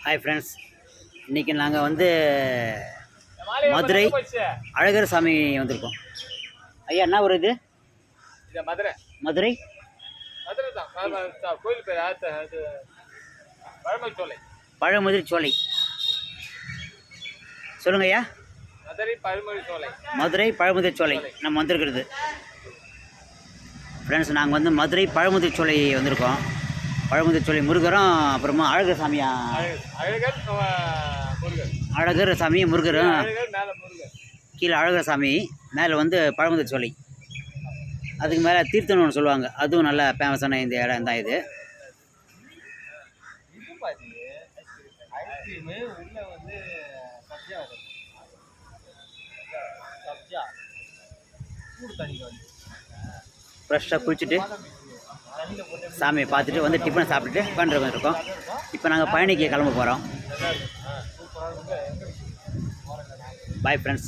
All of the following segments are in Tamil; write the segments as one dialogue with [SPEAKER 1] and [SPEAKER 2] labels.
[SPEAKER 1] ஹாய் ஃப்ரெண்ட்ஸ், இன்றைக்கி நாங்கள் வந்து மதுரை அழகர் சாமி வந்திருக்கோம். ஐயா என்ன ஒரு இது?
[SPEAKER 2] மதுரை
[SPEAKER 1] மதுரை
[SPEAKER 2] மதுரை தான் கோயில் பேர் பழமுதிர்ச்சோலை.
[SPEAKER 1] பழமுதிர்ச்சோலை சொல்லுங்க ஐயா.
[SPEAKER 2] மதுரை பழமுதிர்ச்சோலை.
[SPEAKER 1] மதுரை பழமுதிர்ச்சோலை நம்ம வந்திருக்கிறது. ஃப்ரெண்ட்ஸ், நாங்கள் வந்து மதுரை பழமுதிர்ச்சோலை வந்திருக்கோம். பழமுதிர்ச்சோலை முருகரும் அப்புறமா அழகர் சாமியா, அழகர் சாமி முருகரும், கீழே அழகர் சாமி, மேலே வந்து பழமுதிர்ச்சோலை. அதுக்கு மேலே தீர்த்தம்னு ஒன்று சொல்லுவாங்க, அதுவும் நல்லா ஃபேமஸான இந்த இடம் தான் இது. ஃப்ரெஷ்ஷாக குளிச்சுட்டு சாமியை பார்த்துட்டு வந்து டிஃபன் சாப்பிட்டுட்டு உட்காந்துட்டு இருக்கோம். இப்போ நாங்கள் பழனிக்கு கிளம்ப போகிறோம். Bye friends.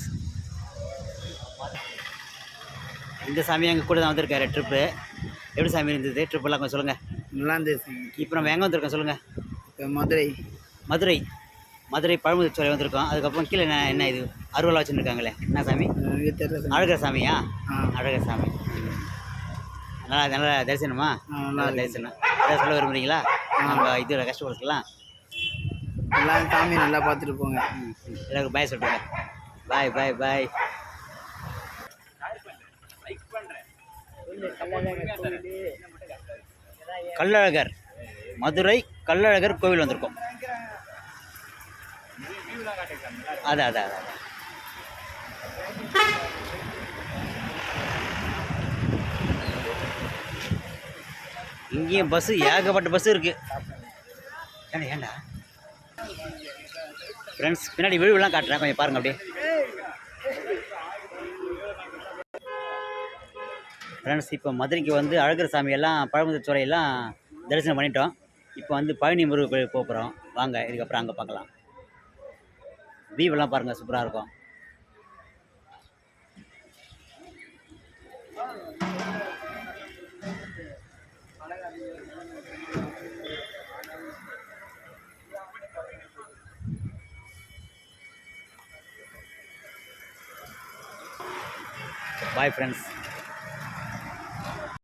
[SPEAKER 1] இந்த சாமி எங்கள் கூட தான் வந்திருக்காரு ட்ரிப்பு. எப்படி சாமி இருந்தது ட்ரிப்பெல்லாம் கொஞ்சம் சொல்லுங்கள்.
[SPEAKER 3] நல்லா இருந்துச்சு.
[SPEAKER 1] இப்போ நம்ம எங்கே வந்திருக்கோம் சொல்லுங்கள்.
[SPEAKER 3] மதுரை
[SPEAKER 1] மதுரை மதுரை பழமுதிர்ச்சோலை வந்திருக்கோம். அதுக்கப்புறம் கீழே என்ன இது அருவலா வச்சுருக்காங்களே, என்ன சாமி? அழகர் சாமியா? அழகர் சாமி. நல்லா தரிசனமா? நல்லா தரிசனம். ஏதாவது சொல்ல விரும்புகிறீங்களா? நம்ம இது கஷ்டப்படுத்தலாம்.
[SPEAKER 3] எல்லாம் சாமி நல்லா பார்த்துட்டு போங்க.
[SPEAKER 1] எல்லாருக்கும் பாய் சொல்லுங்க. பாய் பாய் பாய். கள்ளழகர், மதுரை கள்ளழகர் கோவில் வந்திருக்கோம். அதான் அதான் அதான் இங்கேயும் பஸ்ஸு, ஏகப்பட்ட பஸ்ஸு இருக்குது. ஏண்டா ஃப்ரெண்ட்ஸ், பின்னாடி விழுவெல்லாம் காட்டுறேன், கொஞ்சம் பாருங்கள் அப்படியே. ஃப்ரெண்ட்ஸ், இப்போ மதுரைக்கு வந்து அழகர் சாமியெல்லாம் பழமுதிர்ச்சோலையெல்லாம் தரிசனம் பண்ணிட்டோம். இப்போ வந்து பழனி முருகர் கோயில் போகிறோம். வாங்க, இதுக்கப்புறம் அங்கே பார்க்கலாம். வியூவெல்லாம் பாருங்கள், சூப்பராக இருக்கும். Bye friends.